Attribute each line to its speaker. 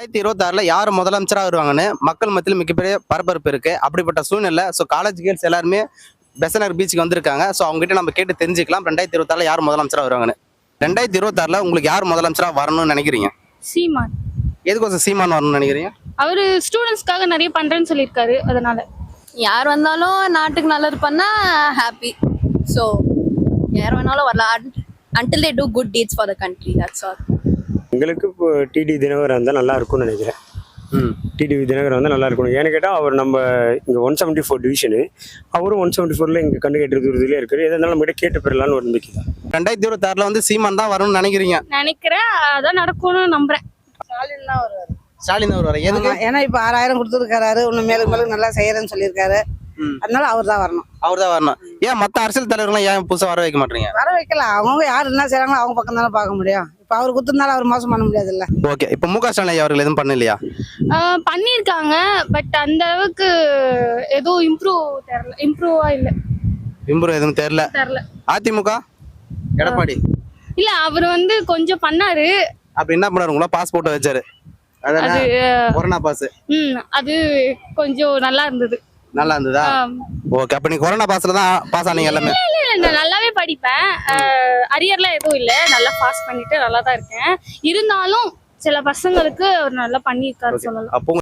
Speaker 1: 2026 யார் முதலமைச்சராக வருவாங்கன்னு மக்கள் மத்தியில் மிகப்பெரிய பரபரப்பு இருக்கு. அப்படிப்பட்ட சூழ்நிலை காலேஜ் கேர்ள்ஸ் எல்லாருமே பெசனர் பீச்சுக்கு வந்திருக்காங்க. அவங்ககிட்ட நம்ம கேட்டு தெரிஞ்சுக்கலாம் 2026 யார் முதலமைச்சராக வருவாங்கன்னு. 2026 உங்களுக்கு யார் முதலமைச்சராக வரணும்னு நினைக்கிறீங்க?
Speaker 2: சீமான்.
Speaker 1: எதுக்கோசம் சீமான் வரணும்னு நினைக்கிறீங்க?
Speaker 2: அவரு ஸ்டூடெண்ட்ஸ்க்காக நிறைய பண்றேன்னு சொல்லியிருக்காரு. அதனால
Speaker 3: யார் வந்தாலும் நாட்டுக்கு நல்லது பண்ணா ஹாப்பி. ஸோ யார் வேணாலும் வரலாம். until they do good deeds for the country, that's all.
Speaker 4: எங்களுக்கு இப்போ டிடி தினகரன் வந்தால் நல்லா இருக்கும்னு நினைக்கிறேன். டிடி தினகரன் வந்தால் நல்லா இருக்கணும். ஏன்னு கேட்டால் அவர் நம்ம இங்கே 174 டிவிஷனு, அவரும் 174 இங்கே கண்டு கேட்டு தூரத்துலேயே இருக்காரு. எதாக இருந்தாலும் நம்மகிட்ட கேட்டு பெறலான்னு ஒரு நம்பிக்கை தான்.
Speaker 1: 2026 சீமான் தான் வரணும்னு நினைக்கிறீங்க?
Speaker 2: நினைக்கிறேன், அதான் நடக்கும்னு நம்புறேன்.
Speaker 5: ஸ்டாலின் தான் வருவாரு.
Speaker 1: ஸ்டாலின் தான் வருவாரு. எதுக்கு?
Speaker 5: ஏன்னா இப்போ 6000 கொடுத்துருக்காரு, இன்னும் மேலும் மேலும் நல்லா செய்யறேன்னு சொல்லியிருக்காரு. அதனால அவர் தான் வரணும்.
Speaker 1: அவர் தான் வரணும். ஏன் மற்ற அரசியல் தலைவர்கள்லாம் ஏன் புதுசாக வர வைக்க மாட்டீங்க?
Speaker 5: வர வைக்கலாம். அவங்க யார் என்ன செய்யறாங்களோ அவங்க பக்கம் தானே பார்க்க முடியும். இப்போ அவர் கொடுத்துருந்தாலும் அவர் மோசம் பண்ண முடியாதுல்ல.
Speaker 1: ஓகே, இப்போ முக ஸ்டாலின் அவர்கள் எதுவும் பண்ணலையா?
Speaker 2: பண்ணியிருக்காங்க, பட் அந்த அளவுக்கு எதுவும் இம்ப்ரூவா இல்லை.
Speaker 1: இம்ப்ரூவ் எதுவும் தெரியல. அதிமுக எடப்பாடி
Speaker 2: இல்ல, அவர் கொஞ்சம் பண்ணாரு.
Speaker 1: அப்படி என்ன பண்ணாரு? உங்களா பாஸ்போர்ட் வச்சாரு,
Speaker 2: அது
Speaker 1: கொரோனா பாஸ்.
Speaker 2: அது கொஞ்சம் நல்லா இருந்தது.
Speaker 1: நல்லா இருந்ததா? ஓகே, அப்ப நீ கொரோனா பாஸ்ல தான் பாஸ் ஆனீங்க எல்லாமே?
Speaker 2: இல்ல, நான் நல்லாவே படிப்பேன். அரியர்லாம் எதுவும் இல்லை, நல்லா பாஸ் பண்ணிட்டு நல்லா தான் இருக்கேன். இருந்தாலும் சில பசங்களுக்கு அவர் நல்லா பண்ணியிருக்காரு சொல்லலாம்.
Speaker 1: அப்போ